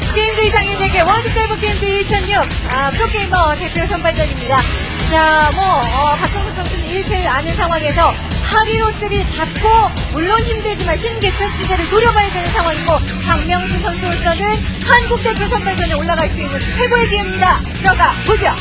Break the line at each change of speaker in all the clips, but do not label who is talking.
게임즈 장인에게 월드세이브 게임즈 2006 프로게이머 대표 선발전입니다. 자, 박정석 선수는 1패를 아는 상황에서 하리로스를 잡고 물론 힘들지만 신개천 시세를 노려봐야 되는 상황이고 박명수 선수로서는 한국 대표 선발전에 올라갈 수 있는 최고의 기회입니다. 들어가 보죠.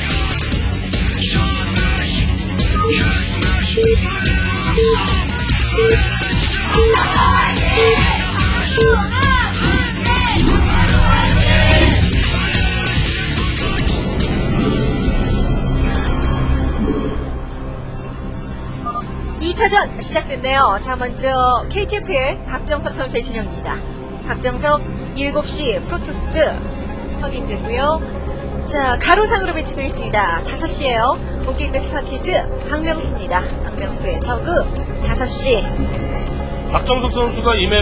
차전 시작됐네요. 자, 먼저 KTF의 박정석 선수의 진영입니다. 박정석 7시 프로토스 확인됐고요. 자, 가로상으로 배치되어 있습니다. 5시에요. 본게임 스파키즈 박명수입니다. 박명수의 저그 5시.
박정석 선수가 이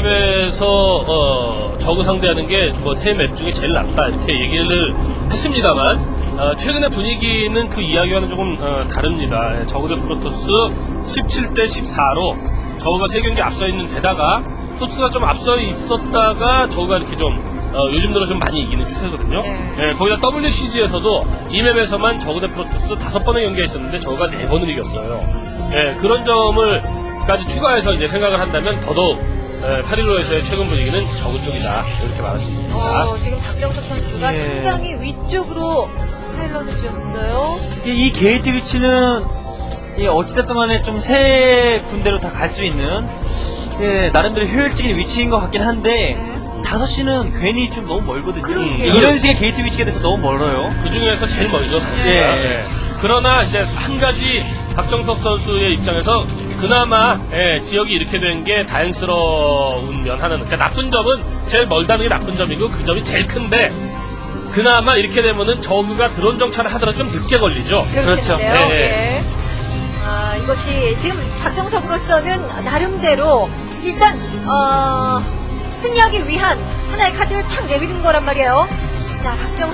맵에서 저그 상대하는 게 뭐 세 맵 중에 제일 낫다 이렇게 얘기를 했습니다만 최근의 분위기는 그 이야기와는 조금 다릅니다. 저그 대 프로토스 17대 14로 저그가 3경기 앞서 있는 데다가 토스가 좀 앞서 있었다가 저그가 이렇게 좀 요즘 들어 좀 많이 이기는 추세거든요. 네, 거기다 WCG에서도 이 맵에서만 저그 대 프로토스 5번의 경기가 있었는데 저그가 4번을 이겼어요. 네, 그런 점을 까지 추가해서 이제 생각을 한다면 더더욱 8.15에서의 최근 분위기는 저그 쪽이다 이렇게 말할 수 있습니다.
지금 박정석 선수가 상당히 위쪽으로 파일런을 지었어요.
이 게이트 위치는 어찌됐든 간에 좀 세 군데로 다 갈 수 있는 나름대로 효율적인 위치인 것 같긴 한데 5시는 괜히 좀 너무 멀거든요. 이런 식의 게이트 위치가 돼서 너무 멀어요.
그 중에서 제일 멀죠. 네. 그러나 이제 한 가지 박정석 선수의 입장에서 그나마 지역이 이렇게 된 게 다행스러운 면 하나는, 그러니까 나쁜 점은 제일 멀다는 게 나쁜 점이고 그 점이 제일 큰데 그나마 이렇게 되면은 저그가 드론 정찰을 하더라도 좀 늦게 걸리죠.
그렇죠. 네. 이것이 지금 박정석으로서는 나름대로 일단 승리하기 위한 하나의 카드를 탁 내밀은 거란 말이에요. 자,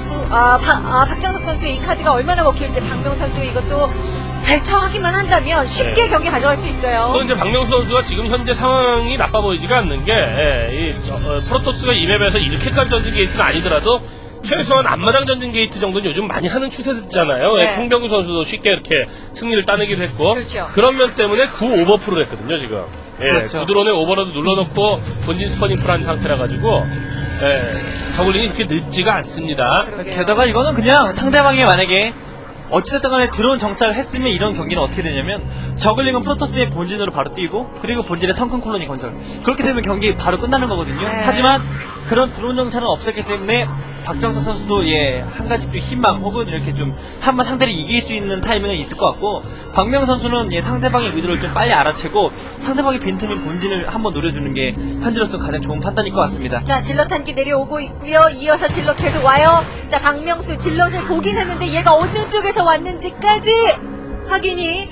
박정석 선수의 이 카드가 얼마나 먹힐지 박명 선수 이것도 대처하기만 한다면 쉽게 경기 가져갈 수 있어요.
또 이제 박명수 선수가 지금 현재 상황이 나빠 보이지가 않는 게 프로토스가 이 맵에서 이렇게까지 전진 게이트는 아니더라도 최소한 앞마당 전진 게이트 정도는 요즘 많이 하는 추세잖아요.
네.
홍병구 선수도 쉽게 이렇게 승리를 따내기도 했고
그렇죠.
그런 면 때문에 9 오버풀을 했거든요 지금.
그렇죠.
구드론에 오버로드 눌러놓고 본진 스퍼닝 풀한 상태라 가지고 저글링이 그렇게 늦지가 않습니다.
그러게요.
게다가 이거는 그냥 상대방이 만약에 어찌됐든 간에 드론 정찰을 했으면 이런 경기는 어떻게 되냐면 저글링은 프로토스의 본진으로 바로 뛰고 그리고 본진에 성큰 콜로니 건설, 그렇게 되면 경기 바로 끝나는 거거든요. 하지만 그런 드론 정찰은 없었기 때문에 박정석 선수도 한 가지 또 희망 혹은 이렇게 좀 한번 상대를 이길 수 있는 타이밍은 있을 것 같고, 박명 선수는 상대방의 의도를 좀 빨리 알아채고 상대방의 빈틈인 본진을 한번 노려주는 게 현재로서 가장 좋은 판단일 것 같습니다.
자, 질럿 한 기 내려오고 있고요. 이어서 질럿 계속 와요. 자, 박명수 질럿을 보긴 했는데 얘가 어느 쪽에서 왔는지까지 확인이.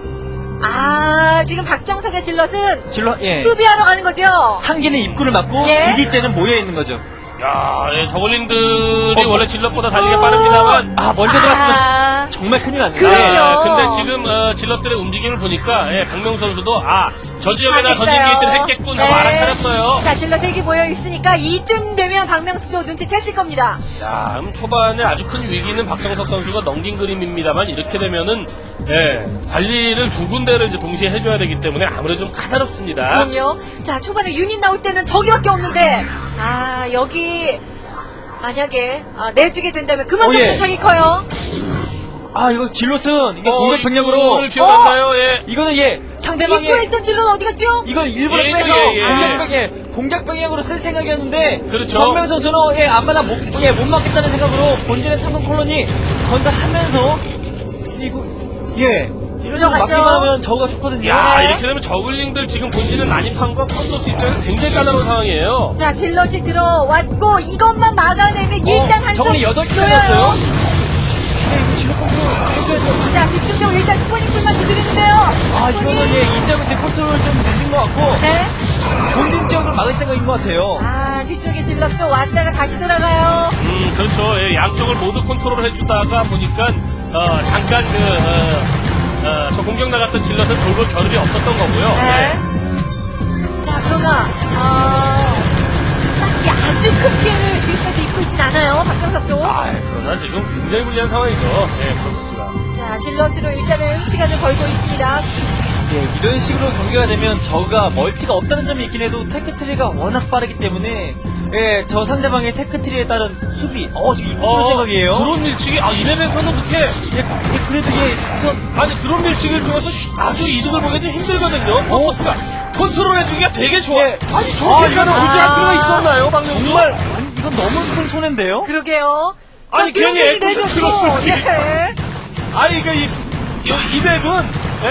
지금 박정석의 질럿은 수비하러 가는 거죠.
한 개는 입구를 막고 두 개째는 모여 있는 거죠.
야, 저글링들이 원래 질럿보다 달리기 빠릅니다만
먼저 들어갔으면 정말 큰일 났네요.
근데 지금 질럿들의 움직임을 보니까 박명수 선수도 저 지역에나 전진 게이트를 했겠군 하고 알아차렸어요.
자, 질럿 3개 모여 있으니까 이쯤 되면 박명수도 눈치챘을 겁니다.
자, 초반에 아주 큰 위기는 박정석 선수가 넘긴 그림입니다만 이렇게 되면은 관리를 두 군데를 이제 동시에 해줘야 되기 때문에 아무래도 좀 까다롭습니다.
그럼요. 자, 초반에 유닛 나올 때는 저기밖에 없는데 여기 만약에 내주게 된다면 그만큼 부착이 커요.
이거 질럿은 이게 공격 병력으로
기억나요?
이거는 상대방의
입구에 있던 질럿 어디 갔죠?
이건 일부러 빼서 공격 병력으로 쓸 생각이었는데
그렇죠.
박명 선수는 앞마다 못 막겠다는 생각으로 본진의 3번 콜로니 건설하면서 이런 거 막기만 하면 저우가 좋거든요.
이렇게 되면 저글링들 지금 본진을 난입한 거 프로토스 입장에서 굉장히 까다로운 상황이에요.
자, 질럿이 들어왔고 이것만 막아내면 일단 한쪽
저글링 8개 들어왔어요. 이거 질럿 컨트롤 해줘야죠.
자, 집중적으로 일단 스포닝풀만 두드리는데요.
이거는 이 지역은 제 컨트롤 좀 늦은 것 같고 본진 지역을 막을 생각인 것 같아요.
뒤쪽에 질럿도 왔다가 다시 돌아가요.
그렇죠. 양쪽을 모두 컨트롤을 해주다가 보니까 잠깐 저 공격 나갔던 질럿은 돌볼 겨를이 없었던 거고요.
자, 그러나 딱히 아주 큰 피해를 지금까지 입고
하나 지금 굉장히 불리한 상황이죠. 네, 프로토스가.
자, 질럿으로 일단은 시간을 벌고 있습니다.
예, 이런 식으로 경기가 되면 저가 멀티가 없다는 점이 있긴 해도 테크트리가 워낙 빠르기 때문에 예, 저 상대방의 테크트리에 따른 수비 지금 이거 생각이에요.
드론 밀치기 이 맵에서는 그렇게
그래도 우선
아니 드론 밀치기를 통해서 아주 이득을 보기 좀 힘들거든요. 프로토스가 컨트롤해주기가 되게 좋아.
예.
아니 저렇게까지
이거는-
무지할 필요가 있었나요, 박명수?
정말 이건 너무 큰 손해인데요.
그러게요.
아니, 괜히
드론이
애꿎은
내줬고,
드론을
예.
아니 이 맵은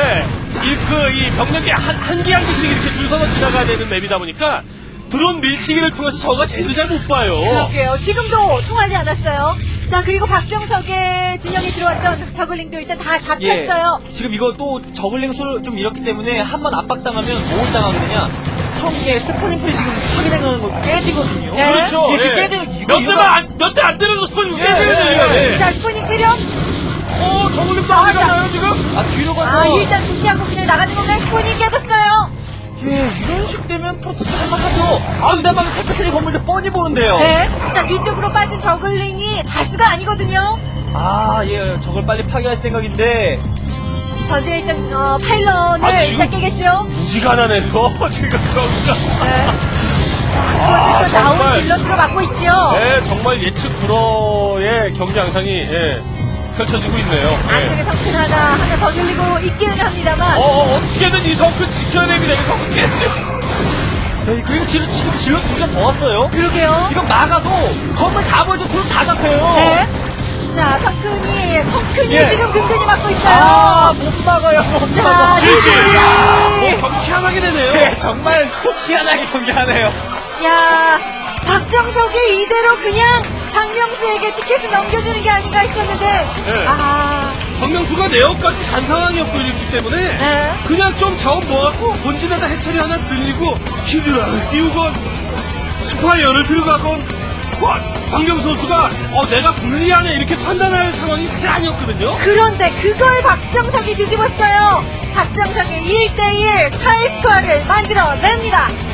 이 병력이 한 개씩 이렇게 줄 서서 지나가야 되는 맵이다 보니까 드론 밀치기를 통해서 저가 제대로 잘 못 봐요.
그럴게요. 지금도 통하지 않았어요. 자, 그리고 박정석의 진영에 들어왔던 저글링도 일단 다 잡혔어요.
지금 이거 또 저글링 수를 좀 잃었기 때문에 한 번 압박당하면 뭘 당하거든요. 성의 스포닝풀이 지금 확인해가는 거 깨지거든요.
네.
그렇죠.
이게 지금 깨지고
몇 대 안 때려도 스포닝 깨져요.
자, 스포닝 체력.
저글링도 안 해가나요 지금?
뒤로 가서
일단 무시하고 그냥 나가는 건가요? 스포닝 깨졌어요.
이런 식 되면 프로토스 할만하죠. 상대방이 테크트리 건물도 뻔히 보는데요.
네. 자, 뒤쪽으로 빠진 저글링이 다수가 아니거든요.
저걸 빨리 파괴할 생각인데
전제 일단 파일런을
아, 지금-
일단 깨겠죠.
무지가난해서 지금 저가
네.
아,
자, 나온
정말.
질럿으로 막고 있죠.
네, 정말 예측 불허의 경기 양상이 펼쳐지고 있네요.
안쪽에 성큰 하나 더 들리고 있기는 합니다만.
어떻게든 이 성큰 지켜야 됩니다. 이 성큰 깨지.
그리고 지금 질러 2개 더 왔어요.
그러게요.
이거 막아도 건물 다 보여도 둘다 잡혀요.
네. 자, 성큰이
예.
지금 든든히 막고 있어요.
못 막아요. 못
자,
막아.
질질.
질질.
경기 희한하게 되네요.
네, 정말 희한하게 경기하네요.
야, 박정석이 이대로 그냥 박명수에게 티켓을 넘겨주는 게 아닌가 했었는데.
네. 박명수가 내역까지 간 상황이었고 이랬기 때문에
네.
그냥 좀 자원 모아갖고 본진에다 해처리 하나 들리고 히드라를 띄우건 스파이어를 들어가건 박명수 선수가 내가 불리하네 이렇게 판단할 상황이 사실 아니었거든요.
그런데 그걸 박정석이 뒤집었어요. 박정석의 1대1 타이스코어를 만들어냅니다.